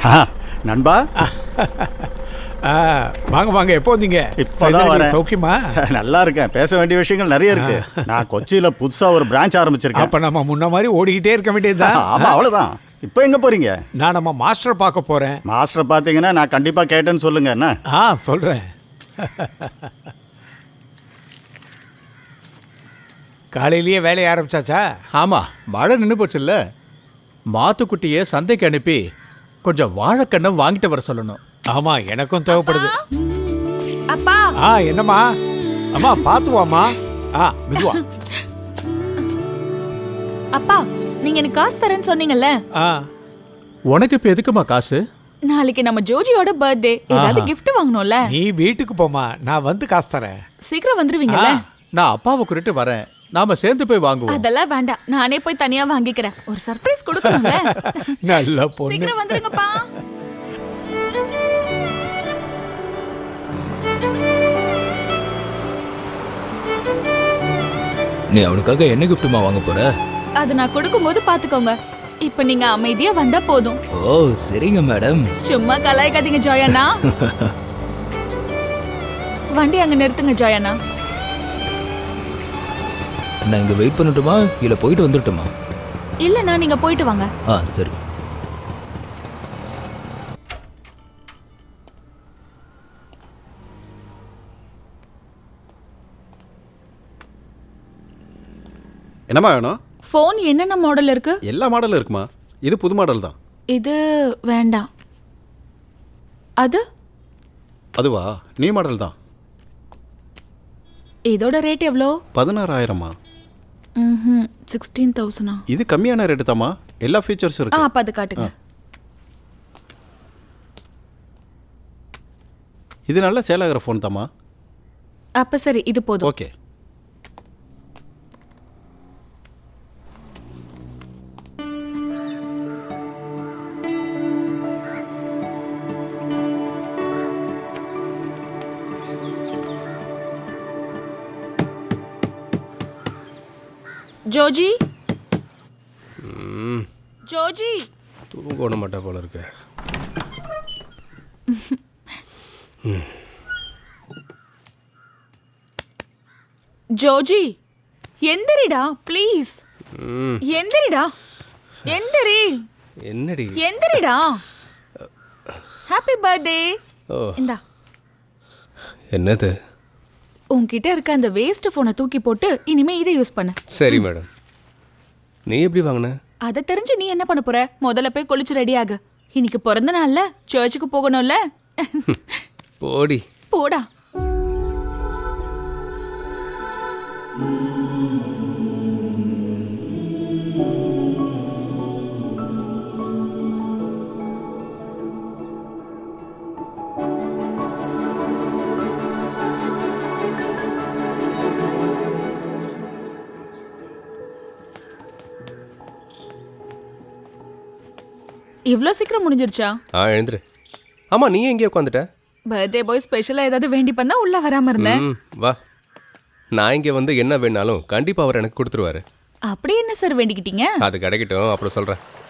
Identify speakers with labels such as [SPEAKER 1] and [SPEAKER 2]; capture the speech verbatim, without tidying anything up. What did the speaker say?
[SPEAKER 1] நண்பா
[SPEAKER 2] வாங்க வாங்க, எப்போ வந்தீங்க?
[SPEAKER 1] இப்போதான் வரேன்.
[SPEAKER 2] சௌக்கியமா?
[SPEAKER 1] நல்லா இருக்கேன். பேச வேண்டிய விஷயங்கள் நிறைய இருக்கு. நான் கொச்சியில புதுசா ஒரு பிரான்ச் ஆரம்பிச்சிருக்கேன்.
[SPEAKER 2] அப்ப நம்ம முன்ன மாதிரி ஓடிக்கிட்டே இருக்க வேண்டியதுதான்.
[SPEAKER 1] ஆமா, அவ்வளவுதான். இப்போ எங்க போறீங்க?
[SPEAKER 2] நான் நம்ம மாஸ்டரை பார்க்க போறேன்.
[SPEAKER 1] மாஸ்டர் பாத்தீங்கன்னா நான் கண்டிப்பா கேட்டேன்னு சொல்லுங்க. என்ன?
[SPEAKER 2] ஆ சொல்றேன். காலையிலேயே வேலையை ஆரம்பிச்சாச்சா?
[SPEAKER 3] ஆமா, மழை நின்று போச்சுல்ல. மாத்துக்குட்டியை சந்தைக்கு அனுப்பி கொஞ்சம் வாழைக்கண்ணை வாங்கிட்டு வர சொல்லணும்.
[SPEAKER 2] ஆமா, எனக்கும் தேவைப்படுது.
[SPEAKER 4] அப்பா.
[SPEAKER 2] ஆ என்னம்மா? அம்மா பாத்து வாமா. ஆ மெதுவா.
[SPEAKER 4] அப்பா, நீங்க எனக்கு காசு தரேன்னு சொன்னீங்கல்ல.
[SPEAKER 2] ஆ
[SPEAKER 3] உனக்கு இப்ப எதுக்குமா காசு?
[SPEAKER 4] நாளைக்கு நம்ம ஜோஜியோட பர்த்டே, ஏதாவது gift வாங்கணும்ல.
[SPEAKER 2] நீ வீட்டுக்கு போமா, நான் வந்து காசு தரேன்.
[SPEAKER 4] சீக்கிரம் வந்துருவீங்கல்ல?
[SPEAKER 3] நான் அப்பாவை கூட்டிட்டு வரேன், நாம சேர்ந்து போய் வாங்குவோம்.
[SPEAKER 4] அதெல்லாம் வேண்டாம், நானே போய் தனியா வாங்கிக்கிறேன். ஒரு சர்ப்ரைஸ் கொடுக்கணும்ல.
[SPEAKER 2] நல்ல பொண்ணு.
[SPEAKER 4] சீக்கிரம் வந்துருங்கப்பா.
[SPEAKER 5] நீ அவனுக்காக என்ன கிஃப்ட்டுமா வாங்க போற?
[SPEAKER 4] அது நான் கொடுக்கும்போது பாத்துக்கோங்க. இப்ப நீங்க அமைதியா வந்தா போதும்.
[SPEAKER 5] ஓ சரிங்க மேடம்.
[SPEAKER 4] சும்மா கலாய்க்காதீங்க ஜோயண்ணா. வண்டி அங்க நிறுத்துங்க ஜோயண்ணா.
[SPEAKER 5] நான் இங்க வெயிட் பண்ணட்டுமா இல்ல போயிட்டு வந்துட்டுமா?
[SPEAKER 4] இல்லண்ணா, நீங்க போயிட்டு வாங்க.
[SPEAKER 5] ஆ சரி.
[SPEAKER 6] என்னம்மா வேணும்?
[SPEAKER 4] ஃபோன் என்னென்ன மாடல் இருக்கு?
[SPEAKER 6] எல்லா மாடலும் இருக்குமா. இது புது மாடல் தான்.
[SPEAKER 4] இது வேண்டாம். அது?
[SPEAKER 6] அதுவா, நியூ மாடல் தான்.
[SPEAKER 4] இதோட ரேட் எவ்வளோ?
[SPEAKER 6] பதினாறாயிரமா?
[SPEAKER 4] ம் சிக்ஸ்டீன் தௌசண்டா?
[SPEAKER 6] இது கம்மியான ரேட்டு தாம்மா, எல்லா ஃபீச்சர்ஸும்
[SPEAKER 4] ஆ
[SPEAKER 6] இருக்கு.
[SPEAKER 4] அப்போ அது காட்டுங்க.
[SPEAKER 6] இது நல்ல சேல் ஆகிற ஃபோன் தாம்மா.
[SPEAKER 4] அப்போ சரி, இது போதும்.
[SPEAKER 6] ஓகே.
[SPEAKER 4] ஜோஜி, ஜோஜி
[SPEAKER 7] தூங்க விட மாட்டா போல இருக்கு.
[SPEAKER 4] ஜோஜி எந்திரிடா ப்ளீஸ். எந்திரிடா, எந்திரி.
[SPEAKER 7] என்னடி?
[SPEAKER 4] எந்திரிடா. Happy birthday.
[SPEAKER 7] ஓ
[SPEAKER 4] இந்தா.
[SPEAKER 7] என்னது?
[SPEAKER 4] உன்கிட்ட இருக்க அந்த வேஸ்ட் ஃபோனை தூக்கி போட்டு இனிமே இதை யூஸ் பண்ணு.
[SPEAKER 7] சரி மேடம். நீ எப்படி வாங்கின?
[SPEAKER 4] அதை தெரிஞ்சு நீ என்ன பண்ண போற? முதல்ல போய் குளிச்சு ரெடி ஆகு. இன்னைக்கு பிறந்த நாள்ல சர்ச்சுக்கு போகணும்ல.
[SPEAKER 7] போடி.
[SPEAKER 4] போடா. இவ்வளோ சீக்கிரம் முடிஞ்சிருச்சா?
[SPEAKER 7] ஆ எழுந்துரு. ஆமாம், நீ எங்கேயே உட்காந்துட்ட?
[SPEAKER 4] பர்த்டே பாய் ஸ்பெஷலாக ஏதாவது வேண்டி பண்ணா உள்ள வராமல் இருந்தேன்.
[SPEAKER 7] ம் வா. நான் இங்கே வந்து என்ன வேணாலும் கண்டிப்பாக அவர் எனக்கு கொடுத்துருவாரு.
[SPEAKER 4] அப்படி என்ன சார் வேண்டிக்கிட்டீங்க?
[SPEAKER 7] அது கிடைக்கட்டும், அப்புறம் சொல்கிறேன்.